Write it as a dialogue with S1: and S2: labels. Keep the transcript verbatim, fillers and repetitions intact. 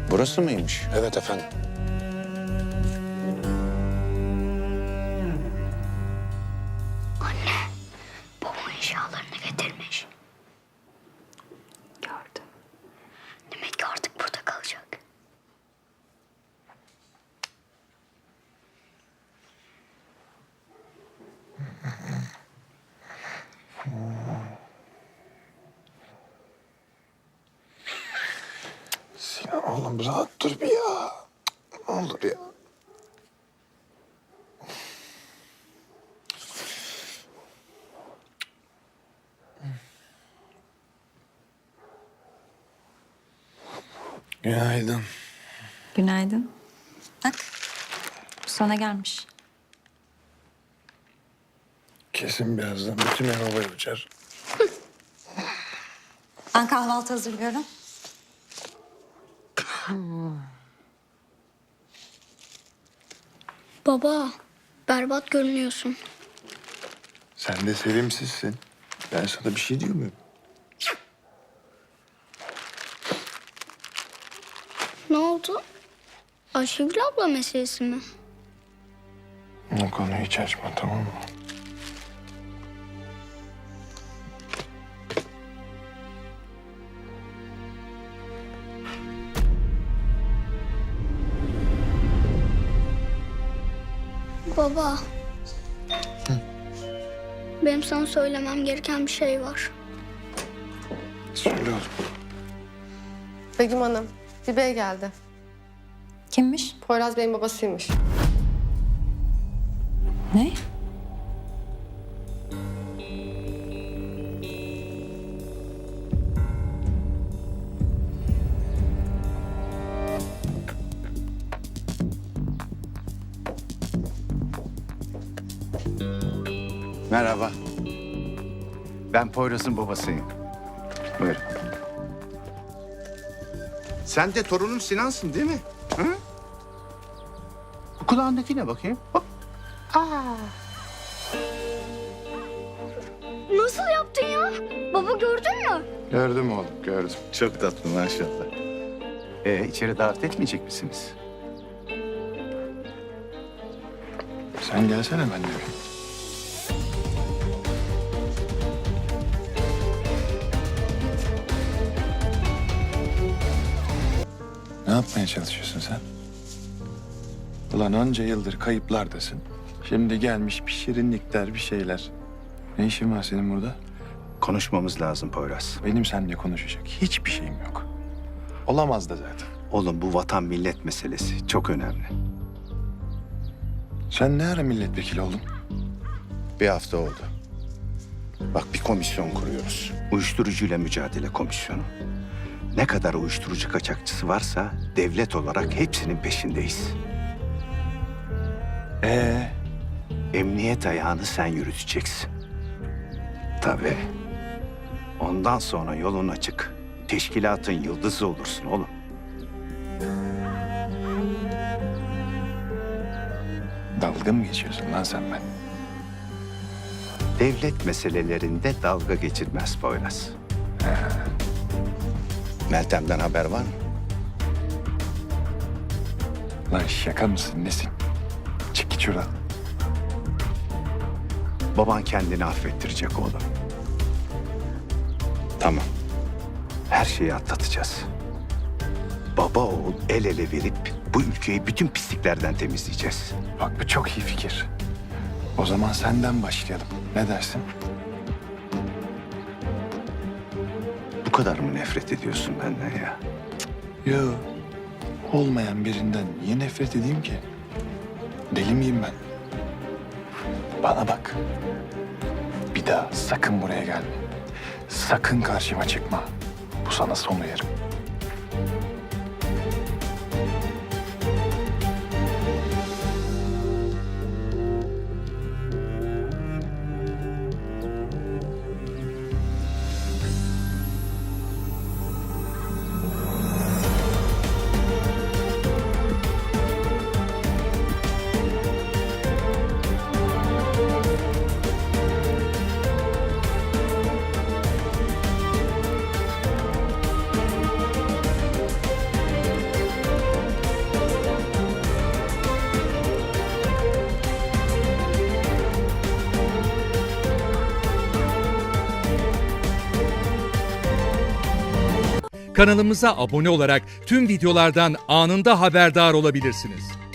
S1: Burası mıymış?
S2: Evet efendim.
S3: Anne, babam eşyalarını getirmiş. Gördüm. Demek ki artık burada kalacak.
S2: Sinan oğlum rahat dur bir ya. Ne olur ya. Günaydın.
S4: Günaydın. Bak, bu sana gelmiş.
S2: Kesin birazdan bütün ev havaya uçar.
S4: Ben kahvaltı hazırlıyorum.
S3: Baba, berbat görünüyorsun.
S2: Sen de sevimsizsin. Ben sana bir şey diyor muyum?
S3: Ne oldu? Ayşegül abla meselesi mi?
S2: O konuyu hiç açma, tamam mı?
S3: Baba. Benim sana söylemem gereken bir şey var.
S2: Söyle oğlum.
S5: Begüm Hanım, bir bey geldi.
S4: Kimmiş?
S5: Poyraz Bey'in babasıymış.
S4: Ne?
S1: Merhaba. Ben Poyraz'ın babasıyım. Buyurun. Sen de torunun Sinan'sın değil mi? Hı? Bu kulağındaki ne bakayım? Hop.
S3: Nasıl yaptın ya? Baba gördün mü?
S2: Gördüm oğlum, gördüm.
S1: Çok tatlı maşallah. Ee, içeri davet etmeyecek misiniz?
S2: Sen gelsene benimle bir. Ne yapmaya çalışıyorsun sen? Ulan onca yıldır kayıplardasın. Şimdi gelmiş bir şirinlikler, bir şeyler. Ne işin var senin burada?
S1: Konuşmamız lazım Poyraz.
S2: Benim seninle konuşacak hiçbir şeyim yok. Olamaz da zaten.
S1: Oğlum bu vatan millet meselesi çok önemli.
S2: Sen ne ara milletvekili oldun?
S1: Bir hafta oldu. Bak bir komisyon kuruyoruz. Uyuşturucuyla mücadele komisyonu. Ne kadar uyuşturucu kaçakçısı varsa devlet olarak hepsinin peşindeyiz.
S2: Ee,
S1: Emniyet ayağını sen yürüteceksin. Tabii. Ondan sonra yolun açık. Teşkilatın yıldızı olursun oğlum.
S2: dalga mı geçiyorsun lan sen ben?
S1: Devlet meselelerinde dalga geçilmez Poyraz. Meltem'den haber var mı?
S2: Lan şaka mısın nesin? Çık git şuradan.
S1: Baban kendini affettirecek oğlum. Tamam. Her şeyi atlatacağız. Baba oğul el ele verip bu ülkeyi bütün pisliklerden temizleyeceğiz.
S2: Bak bu çok iyi fikir. O zaman senden başlayalım. Ne dersin?
S1: Bu kadar mı nefret ediyorsun benden ya?
S2: Yo. Olmayan birinden niye nefret edeyim ki? Deli miyim ben? Bana bak. Bir daha sakın buraya gelme. Sakın karşıma çıkma. Bu sana son uyarım.
S6: Kanalımıza abone olarak tüm videolardan anında haberdar olabilirsiniz.